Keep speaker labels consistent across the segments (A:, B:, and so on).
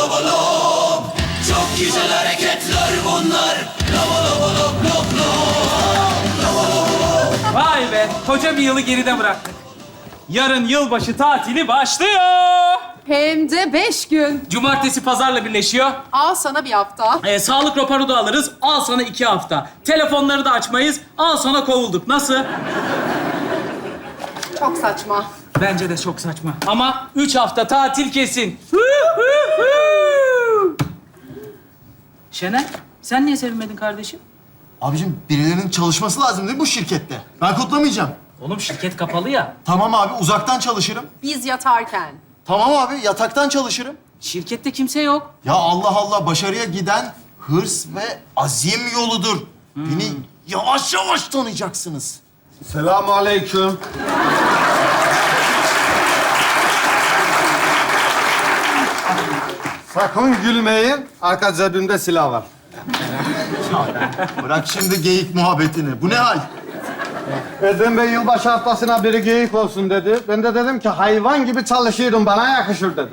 A: lava lom. Çok güzel hareketler bunlar. Lava lava lom lom lom.
B: Vay be, koca bir yılı geride bıraktık. Yarın yılbaşı tatili başlıyor.
C: Hem de 5 gün.
B: Cumartesi pazarla birleşiyor.
C: Al sana bir hafta.
B: Sağlık raporu da alırız. Al sana 2 hafta. Telefonları da açmayız. Al sana kovulduk. Nasıl?
C: Çok saçma.
B: Bence de çok saçma. Ama 3 hafta tatil kesin. Şener, sen niye sevinmedin kardeşim?
D: Abicim birilerinin çalışması lazım değil mi bu şirkette? Ben kutlamayacağım.
B: Oğlum şirket kapalı ya.
D: Tamam abi uzaktan çalışırım.
C: Biz yatarken.
D: Tamam abi yataktan çalışırım.
B: Şirkette kimse yok.
D: Ya Allah Allah başarıya giden hırs ve azim yoludur. Beni yavaş yavaş tanıyacaksınız.
E: Selamünaleyküm. Sakın gülmeyin. Arka cebimde silah var.
D: Bırak şimdi geyik muhabbetini. Bu ne hal?
E: Erdem Bey yılbaşı haftasına biri geyik olsun dedi. Ben de dedim ki hayvan gibi çalışıyorum, bana yakışır dedim.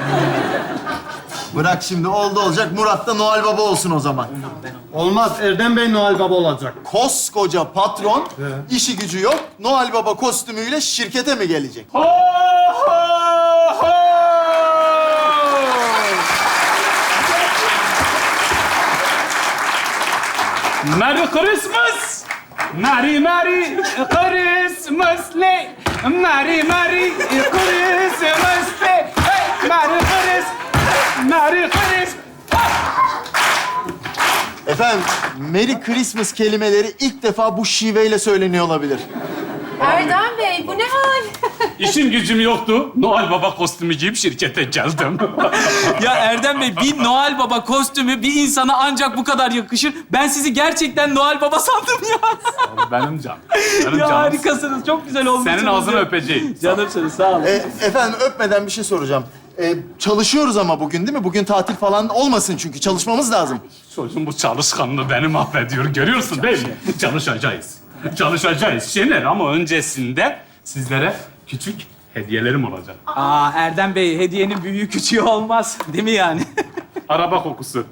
D: Bırak şimdi oldu olacak Murat da Noel Baba olsun o zaman.
E: Olmaz, Erdem Bey Noel Baba olacak.
D: Koskoca patron, işi gücü yok. Noel Baba kostümüyle şirkete mi gelecek?
F: Merry Christmas! Merry Merry Christmas Day! Merry Merry Christmas Day! Hey! Merry Christmas! Merry Christmas!
D: Efendim, Merry Christmas kelimeleri ilk defa bu şiveyle söyleniyor olabilir.
C: Erdem Bey, bu ne hal?
F: İşim gücüm yoktu. Noel Baba kostümü giyip şirkete geldim.
B: Ya Erdem Bey, bir Noel Baba kostümü bir insana ancak bu kadar yakışır. Ben sizi gerçekten Noel Baba sandım ya.
F: Benim canım. Benim
B: Ya
F: canım.
B: harikasınız, çok güzel olmuşsunuz.
F: Senin ağzını
B: ya.
F: öpeceğim.
B: Canımsınız, sağ olun.
D: Efendim, öpmeden bir şey soracağım. Çalışıyoruz ama bugün değil mi? Bugün tatil falan olmasın çünkü çalışmamız lazım.
F: Çocuğum bu çalışkanlığı beni mahvediyor. Görüyorsun değil mi? Çalışacağız. Çalışacağız Şener ama öncesinde sizlere küçük hediyelerim olacak.
B: Aa Erdem Bey, hediyenin büyüğü küçüğü olmaz. Değil mi yani?
F: Araba kokusu.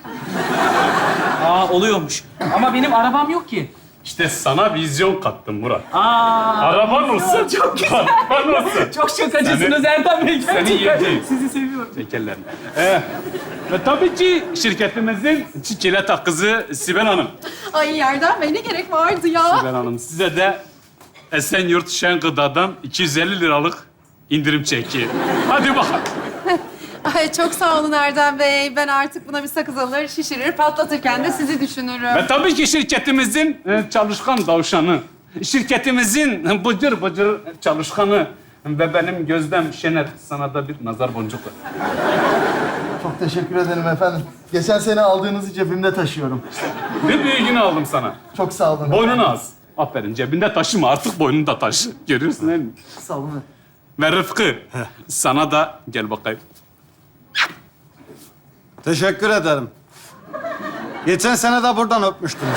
B: Aa oluyormuş. Ama benim arabam yok ki.
F: İşte sana vizyon kattım Murat.
B: Aa
F: Araban olsun.
B: çok güzel.
F: Araban olsun.
B: Çok şakacısınız
F: Seni-
B: Erdem Bey.
F: seni
B: Gerçekten.
F: yiyeceğim.
B: Sizi seviyorum.
F: Tekerlerini. Ve tabii ki şirketimizin çiçeğe kızı Sibel Hanım.
C: Ay Erdem Bey, ne gerek vardı ya?
F: Sibel Hanım size de Esenyurt Şen Gıda'dan 250 liralık indirim çeki. Hadi bakalım.
C: Ay çok sağ olun Erdem Bey. Ben artık buna bir sakız alır, şişirir, patlatırken de sizi düşünürüm.
F: Ve tabii ki şirketimizin çalışkan tavşanı. Şirketimizin bıcır bıcır çalışkanı. Ve benim Gözlem Şener sana da bir nazar boncuk var.
D: Çok teşekkür ederim efendim. Geçen sene aldığınızı cebimde taşıyorum.
F: Bir büyüğünü aldım sana.
D: Çok sağ olun.
F: Boynunu az. Aferin cebinde taşıma artık boynunu da taşı. Görüyorsun değil mi?
D: Sağ olun.
F: Ve Rıfkı sana da gel bakayım.
E: Teşekkür ederim. Geçen sene de buradan öpmüştünüz.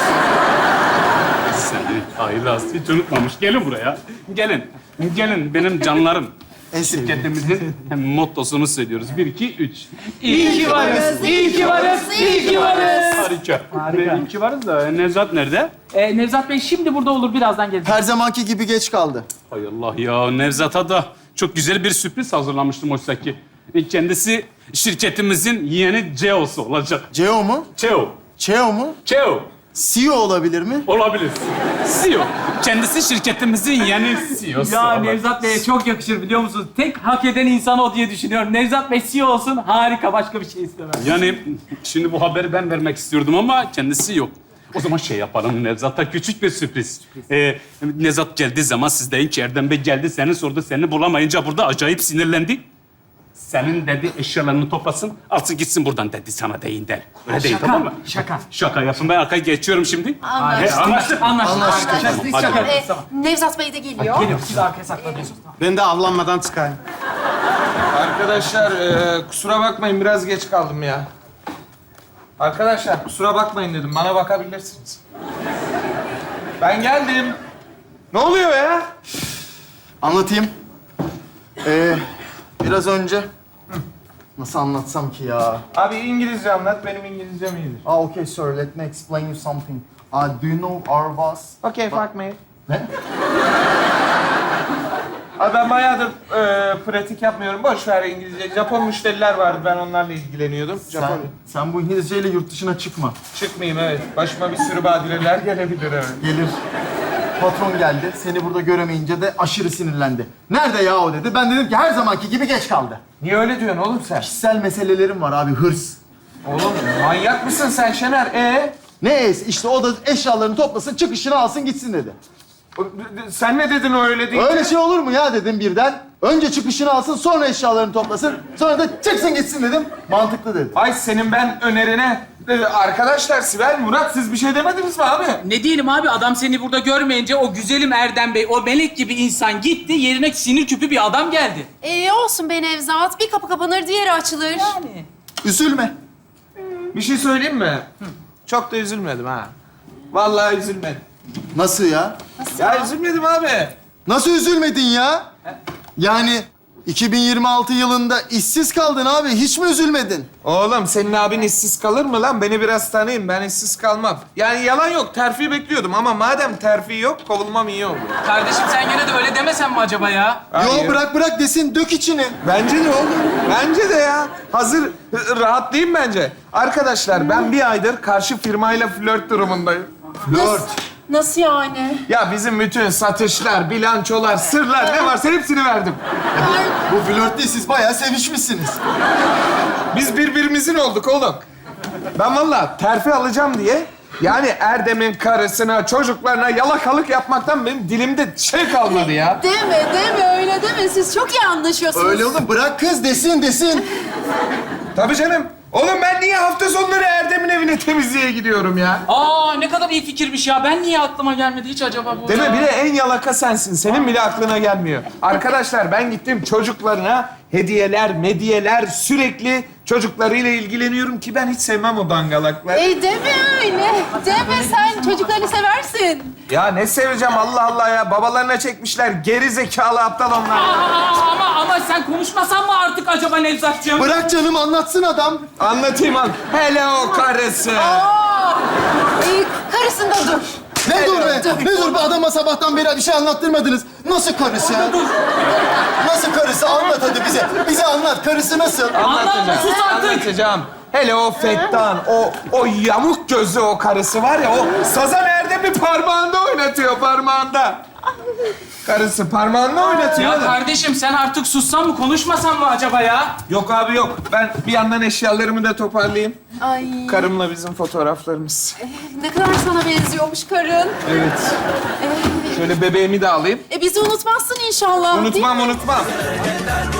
F: Seni haylaz hiç unutmamış. Gelin buraya. Gelin. Gelin benim canlarım.
D: En sevdiğim.
F: Şirketimizin mottosunu söylüyoruz. 1, 2, 3.
B: İyi ki varız, iyi ki varız, iyi ki varız.
F: Harika.
B: Harika.
F: İyi ki varız da Nevzat nerede?
B: Nevzat Bey şimdi burada olur, birazdan gelecek.
D: Her zamanki gibi geç kaldı.
F: Hay Allah ya Nevzat'a da çok güzel bir sürpriz hazırlamıştım oysa ki. Kendisi şirketimizin yeni CEO'su olacak.
D: CEO mu?
F: CEO.
D: CEO mu?
F: CEO.
D: CEO olabilir mi?
F: Olabilir. CEO. Kendisi şirketimizin yeni CEO'su.
B: Ya
F: olacak.
B: Nevzat Bey'e çok yakışır biliyor musunuz? Tek hak eden insan o diye düşünüyorum. Nevzat Bey CEO olsun, harika. Başka bir şey istemem.
F: Yani şimdi bu haberi ben vermek istiyordum ama kendisi yok. O zaman şey yapalım Nevzat'a küçük bir sürpriz. Nevzat geldiği zaman siz deyin ki Erdem Bey geldi seni sordu seni bulamayınca burada acayip sinirlendi. Senin dedi eşyalarını toplasın alsın gitsin buradan dedi sana deyin der. Öyle değil tamam mı?
B: Şaka.
F: Şaka yapın ben arkaya geçiyorum şimdi. Anlaştık.
B: Anlaştık.
F: Hadi.
B: Şaka.
C: Ee,
B: Tamam.
C: Nevzat Bey de geliyor.
B: Geliyorum, siz arkaya saklanıyorsunuz. Tamam.
E: Ben de avlanmadan çıkayım.
G: Arkadaşlar kusura bakmayın biraz geç kaldım ya. Arkadaşlar kusura bakmayın dedim bana bakabilirsiniz. Ben geldim. Ne oluyor ya?
D: Anlatayım. Biraz önce Nasıl anlatsam ki ya?
G: Abi İngilizce anlat, benim İngilizcem iyidir.
D: Okay sir, let me explain you something. Do you know our boss?
G: Okay, fuck me.
D: Ne?
G: Abi ben bayağıdır pratik yapmıyorum. Boş ver İngilizce. Japon müşteriler vardı, ben onlarla ilgileniyordum.
D: Sen bu İngilizceyle yurt dışına çıkma.
G: Çıkmayayım, evet. Başıma bir sürü badireler gelebilir, evet.
D: Gelir. Patron geldi, seni burada göremeyince de aşırı sinirlendi. Nerede ya o dedi. Ben dedim ki her zamanki gibi geç kaldı.
G: Niye öyle diyorsun oğlum sen?
D: Kişisel meselelerim var abi, hırs.
G: Oğlum manyak mısın sen Şener?
D: Ne işte o da eşyalarını toplasın, çıkışını alsın gitsin dedi.
G: Sen ne dedin o öyle değil?
D: Öyle şey olur mu ya dedim birden. Önce çıkışını alsın, sonra eşyalarını toplasın. Sonra da çıksın gitsin dedim. Mantıklı dedi.
G: Ay senin ben önerine... Arkadaşlar Sibel, Murat siz bir şey demediniz mi abi?
B: Ne diyelim abi, adam seni burada görmeyince o güzelim Erdem Bey, o melek gibi insan gitti, yerine sinir küpü bir adam geldi.
C: Olsun be Nevzat. Bir kapı kapanır, diğeri açılır.
D: Üzülme.
G: Bir şey söyleyeyim mi? Çok da üzülmedim ha. Vallahi üzülmedim.
D: Nasıl ya?
G: Ya üzülmedim abi.
D: Nasıl üzülmedin ya? Yani 2026 yılında işsiz kaldın abi. Hiç mi üzülmedin?
G: Oğlum senin abin işsiz kalır mı lan? Beni biraz tanıyın, ben işsiz kalmam. Yani yalan yok, terfi bekliyordum ama madem terfi yok, kovulmam iyi oldu.
B: Kardeşim sen gene de öyle demesen mi acaba ya?
G: Hayır.
D: Yo bırak desin, dök içini.
G: Bence de oğlum. Bence de ya. Hazır rahatlayayım bence. Arkadaşlar ben bir aydır karşı firmayla flört durumundayım.
D: Flört.
C: Nasıl yani?
G: Ya bizim bütün satışlar, bilançolar, sırlar ne varsa hepsini verdim.
D: Bu flört değil, siz bayağı sevişmişsiniz.
G: Biz birbirimizin olduk oğlum. Ben vallahi terfi alacağım diye yani Erdem'in karısına, çocuklarına yalakalık yapmaktan benim dilimde şey kalmadı ya.
C: Deme öyle deme. Siz çok iyi anlaşıyorsunuz.
D: Öyle oğlum, bırak kız desin.
G: Tabii canım. Oğlum ben niye hafta sonları Erdem'in evine temizliğe gidiyorum ya?
B: Aa ne kadar iyi fikirmiş ya. Ben niye aklıma gelmedi hiç acaba bu?
G: Değil mi? Bir de en yalaka sensin. Senin bile aklına gelmiyor. Arkadaşlar ben gittim çocuklarına hediyeler sürekli çocuklarıyla ilgileniyorum ki ben hiç sevmem o dangalakları.
C: Deme öyle. Deme, sen çocuklarını seversin.
G: Ya ne seveceğim Allah Allah ya. Babalarına çekmişler. Geri zekalı aptal onlar.
B: Ama sen konuşmasan mı artık acaba Nevzatcığım?
D: Bırak canım, anlatsın adam.
G: Anlatayım an. Hele o karısı.
C: Karısında dur.
D: Ne dur be? Ne dur be? Adama sabahtan beri bir şey anlattırmadınız. Nasıl karısı? Nasıl karısı? Anlat hadi bize. Bize anlat. Karısı nasıl?
B: Anlatma, sus artık.
G: Anlatacağım. Hele o Fettan, o yamuk gözlü o karısı var ya, o sazan Erdem'i parmağında oynatıyor, parmağında. Karısı parmağında oynatıyor.
B: Ya kardeşim sen artık sussan mı, konuşmasan mı acaba ya?
G: Yok abi yok. Ben bir yandan eşyalarımı da toparlayayım.
C: Ay,
G: Karımla bizim fotoğraflarımız.
C: ne kadar sana benziyormuş karın.
G: Evet. Şöyle bebeğimi de alayım.
C: Bizi unutmazsın inşallah. değil mi?
G: Unutmam.